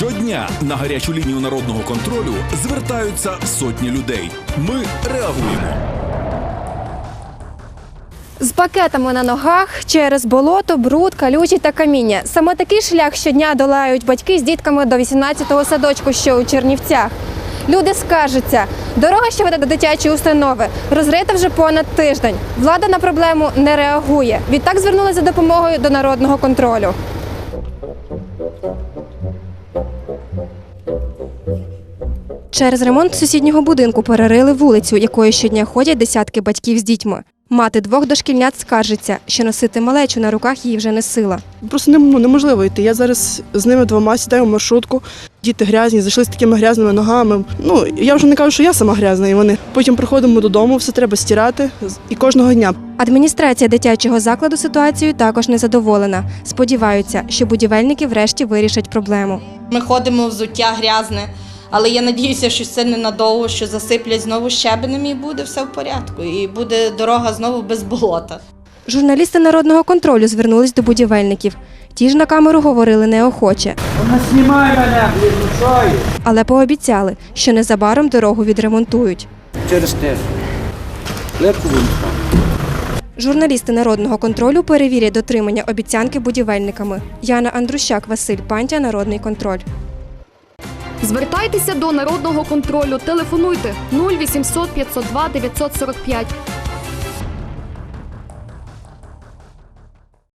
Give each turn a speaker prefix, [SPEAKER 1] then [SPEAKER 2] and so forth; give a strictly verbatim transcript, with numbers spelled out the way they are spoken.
[SPEAKER 1] Щодня на гарячу лінію народного контролю звертаються сотні людей. Ми реагуємо.
[SPEAKER 2] З пакетами на ногах через болото, бруд, калюжі та каміння. Саме такий шлях щодня долають батьки з дітками до вісімнадцятого садочку, що у Чернівцях. Люди скаржаться, дорога, що веде до дитячої установи, розрита вже понад тиждень. Влада на проблему не реагує. Відтак звернулася за допомогою до народного контролю. Через ремонт сусіднього будинку перерили вулицю, якою щодня ходять десятки батьків з дітьми. Мати двох дошкільнят скаржиться, що носити малечу на руках їй вже не сила.
[SPEAKER 3] Просто неможливо йти. Я зараз з ними двома сідаю в маршрутку. Діти грязні, зайшли з такими грязними ногами. Ну, я вже не кажу, що я сама грязна, і вони. Потім приходимо додому, все треба стирати. І кожного дня.
[SPEAKER 2] Адміністрація дитячого закладу ситуацією також не задоволена. Сподіваються, що будівельники врешті вирішать проблему.
[SPEAKER 4] Ми ходимо взуття грязне, але я надіюся, що це ненадовго, що засиплять знову щебенем і буде все в порядку. І буде дорога знову без болота.
[SPEAKER 2] Журналісти народного контролю звернулись до будівельників. Ті ж на камеру говорили неохоче.
[SPEAKER 5] Вона знімає мене, блін,
[SPEAKER 2] але пообіцяли, що незабаром дорогу відремонтують.
[SPEAKER 5] через те. Лепку будемо.
[SPEAKER 2] Журналісти народного контролю перевірять дотримання обіцянки будівельниками. Яна Андрущак, Василь Пантя, Народний контроль.
[SPEAKER 6] Звертайтеся до народного контролю. Телефонуйте нуль вісімсот п'ятсот два дев'ятсот сорок п'ять.